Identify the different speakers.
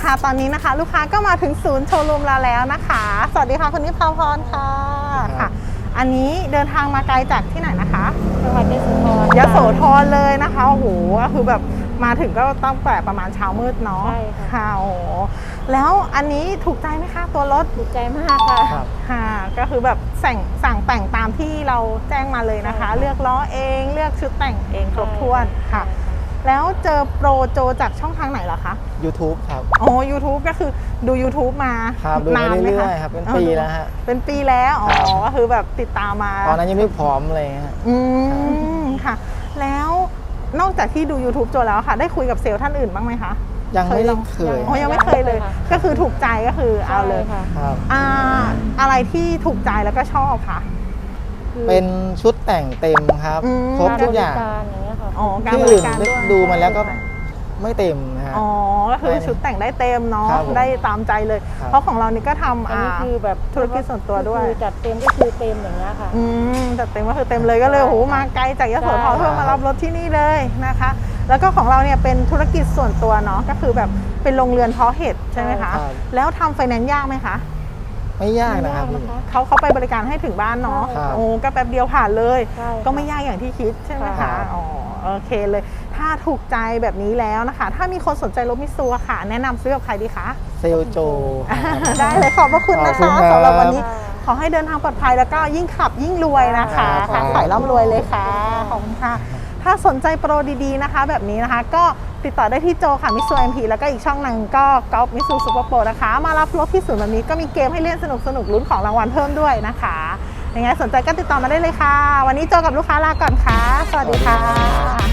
Speaker 1: ค่ะตอนนี้นะคะลูกค้าก็มาถึงศูนย์โชว์รูมเราแล้วนะคะสวัสดีค่ะคุณนิพาพรค่ะค่ะอันนี้เดินทางมาไกลจากที่ไหนนะคะ
Speaker 2: จังหวัดยโสธร
Speaker 1: ยโสธรเลยนะคะโอ้โหก็คือแบบมาถึงก็ต้องแต่ประมาณเช้ามืดเนาะ
Speaker 2: ใช่ค่ะ
Speaker 1: โอ้โหแล้วอันนี้ถูกใจไหมคะตัวรถ
Speaker 2: ถูกใจมากค่ะ
Speaker 1: ค่ะก็คือแบบสั่งแต่งตามที่เราแจ้งมาเลยนะคะเลือกล้อเองเลือกชุดแต่งเองครบถ้วนค่ะแล้วเจอโปรโจจากช่องทางไหนเหรอคะ
Speaker 3: YouTube ครับ
Speaker 1: โอ้ YouTube ก็คือดู YouTube มา
Speaker 3: ครับดู
Speaker 1: นานไหม
Speaker 3: เรื่
Speaker 1: คะ
Speaker 3: อยๆครับเป็นปีแล้วฮะ
Speaker 1: เป็นปีแล้วอ๋อก็คือแบบติดตามมา
Speaker 3: ตอนนั้นยังไม่พร้อมเลยฮะ
Speaker 1: ค่ะแล้วนอกจากที่ดู YouTube โจแล้วค่ะได้คุยกับเซลล์ท่านอื่นบ้างไหมคะ
Speaker 3: ยังไม่ได้เคย
Speaker 1: อ๋อยังไม่เคยเลยก็คือถูกใจก็คือเอาเลย
Speaker 3: ครับ
Speaker 1: อะไรที่ถูกใจแล้วก็ชอบค่ะ
Speaker 3: เป็นชุดแต่งเต็มครับครบทุกอย่าง
Speaker 1: ที่
Speaker 3: อื่นดูมาแล้วก็ไม่เต็มนะฮะ
Speaker 1: อ๋อก็คือชุดแต่งได้เต็มเนาะได้ตามใจเลยเพราะของเรานี่ก็ทำ
Speaker 2: อันนี้คือแบบ
Speaker 1: ธุรกิจส่วนตัวด้วย
Speaker 2: จัดเต็มก็คือเต็มอย่างเงี้ยค่ะ
Speaker 1: จัดเต็มก็คือเต็มเลยก็เลยโอ้โหมาไกลจากยโสธรเพื่อมารับรถที่นี่เลยนะคะแล้วก็ของเราเนี่ยเป็นธุรกิจส่วนตัวเนาะก็คือแบบเป็นโรงเรือนเพาะเห็ดใช่ไหมคะแล้วทำไฟแนนซ์ยากไหมคะ
Speaker 3: ไม่ยากนะครับ
Speaker 1: เขาไปบริการให้ถึงบ้านเนาะโอ้ก็แป๊บเดียวผ่านเลยก็ไม่ยากอย่างที่คิดใช่ไหมคะอ๋อโอเคเลยถ้าถูกใจแบบนี้แล้วนะคะถ้ามีคนสนใจรถมิตซูค่ะแนะนำซื้อกับใครดีคะ
Speaker 3: เซลโจ
Speaker 1: ได้เลยขอบพระคุณนะคะสำหรับวันนี้ขอให้เดินทางปลอดภัยแล้วก็ยิ่งขับยิ่งรวยนะคะค่ะขายร่ำรวยเลยค่ะขอบคุณค่ะถ้าสนใจโปรดีๆนะคะแบบนี้นะคะก็ติดต่อได้ที่โจค่ะมิตซูเอ็มพีแล้วก็อีกช่องหนึ่งก็ก๊อฟมิตซูซูเปอร์โปรนะคะมารับรถที่ศูนย์แบบนี้ก็มีเกมให้เล่นสนุกลุ้นของรางวัลเพิ่มด้วยนะคะยังไงสนใจก็ติดต่อมาได้เลยค่ะวันนี้โจกับลูกค้าลาก่อนค่ะสวัสดีค่ะ